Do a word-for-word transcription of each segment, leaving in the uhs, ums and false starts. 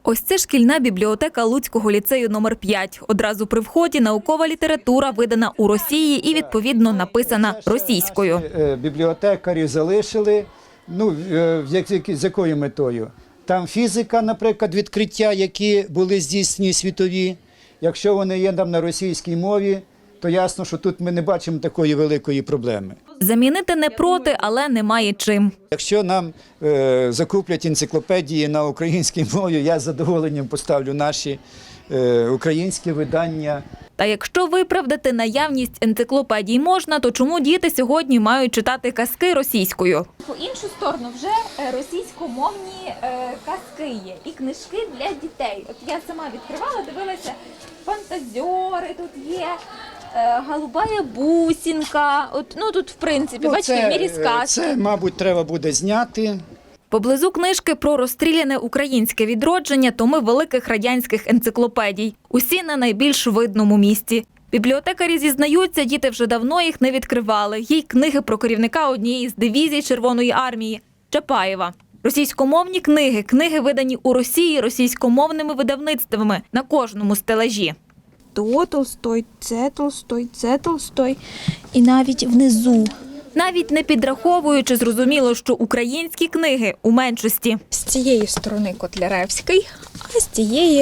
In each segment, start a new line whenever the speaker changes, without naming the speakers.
Ось це шкільна бібліотека Луцького ліцею номер п'ять. Одразу при вході наукова література видана у Росії і, відповідно, написана російською.
Бібліотекарі залишили, ну, з якою метою? Там фізика, наприклад, відкриття, які були здійснені світові. Якщо вони є там на російській мові, то ясно, що тут ми не бачимо такої великої проблеми.
Замінити не проти, але немає чим.
Якщо нам е, закуплять енциклопедії на українській мові, я з задоволенням поставлю наші е, українські видання.
Та якщо виправдати наявність енциклопедій можна, то чому діти сьогодні мають читати казки російською?
По іншу сторону вже російськомовні казки є і книжки для дітей. От я сама відкривала, дивилася, фантазьори тут є, голубая бусинка. От, ну тут в принципі, ну, бачите,
це,
в мірі сказки.
Це, мабуть, треба буде зняти.
Поблизу книжки про розстріляне українське відродження томи великих радянських енциклопедій. Усі на найбільш видному місці. Бібліотекарі зізнаються, діти вже давно їх не відкривали. Є й книги про керівника однієї з дивізій Червоної армії – Чапаєва. Російськомовні книги, книги видані у Росії російськомовними видавництвами на кожному стелажі.
То Толстой, це Толстой, це Толстой і навіть внизу.
Навіть не підраховуючи, зрозуміло, що українські книги у меншості.
З цієї сторони Котляревський, а з цієї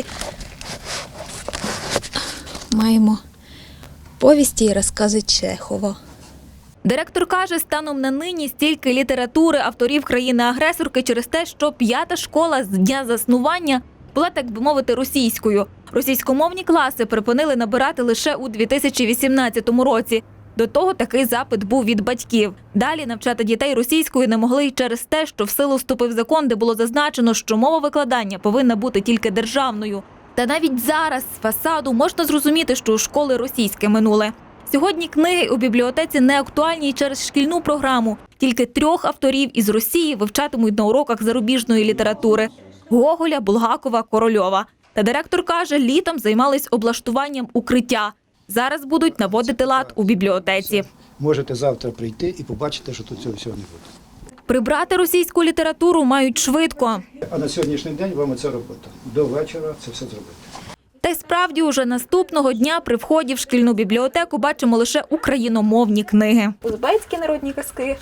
маємо повісті і розкази Чехова.
Директор каже, станом на нині стільки літератури авторів країни-агресорки через те, що п'ята школа з дня заснування була, так би мовити, російською. Російськомовні класи припинили набирати лише у дві тисячі вісімнадцятому році. До того такий запит був від батьків. Далі навчати дітей російською не могли й через те, що в силу вступив закон, де було зазначено, що мова викладання повинна бути тільки державною. Та навіть зараз з фасаду можна зрозуміти, що у школи російське минуле. Сьогодні книги у бібліотеці не актуальні й через шкільну програму. Тільки трьох авторів із Росії вивчатимуть на уроках зарубіжної літератури – Гоголя, Булгакова, Корольова. Та директор каже, літом займались облаштуванням укриття. Зараз будуть наводити лад у бібліотеці.
Можете завтра прийти і побачити, що тут цього всього не буде.
Прибрати російську літературу мають швидко.
А на сьогоднішній день вам це робота. До вечора це все зробити.
Та й справді уже наступного дня при вході в шкільну бібліотеку бачимо лише україномовні книги.
Узбецькі народні казки,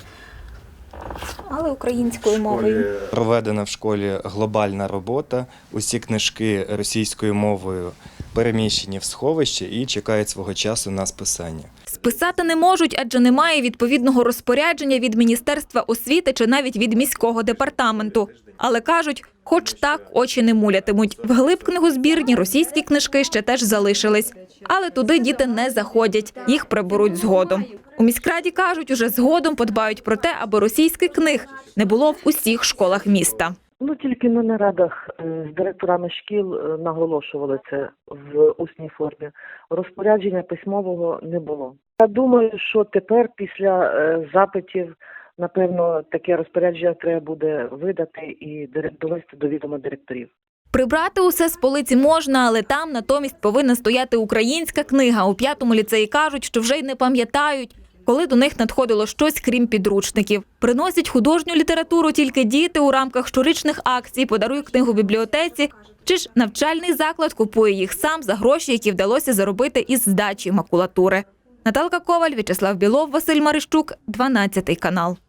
але українською мовою.
Проведена в школі глобальна робота. Усі книжки російською мовою переміщені в сховище і чекають свого часу на списання.
Списати не можуть, адже немає відповідного розпорядження від Міністерства освіти чи навіть від міського департаменту. Але кажуть, хоч так очі не мулятимуть. Вглиб книгозбірні російські книжки ще теж залишились. Але туди діти не заходять, їх приберуть згодом. У міськраді кажуть, уже згодом подбають про те, аби російських книг не було в усіх школах міста.
Ну, тільки на нарадах з директорами шкіл наголошували це в усній формі. Розпорядження письмового не було. Я думаю, що тепер після запитів, напевно, таке розпорядження треба буде видати і довести до відома директорів.
Прибрати усе з полиці можна, але там натомість повинна стояти українська книга. У п'ятому ліцеї кажуть, що вже й не пам'ятають, коли до них надходило щось, крім підручників. Приносять художню літературу тільки діти у рамках щорічних акцій «Подаруй книгу бібліотеці», чи ж навчальний заклад купує їх сам за гроші, які вдалося заробити із здачі макулатури. Наталка Коваль, В'ячеслав Білов, Василь Марищук, дванадцятий канал.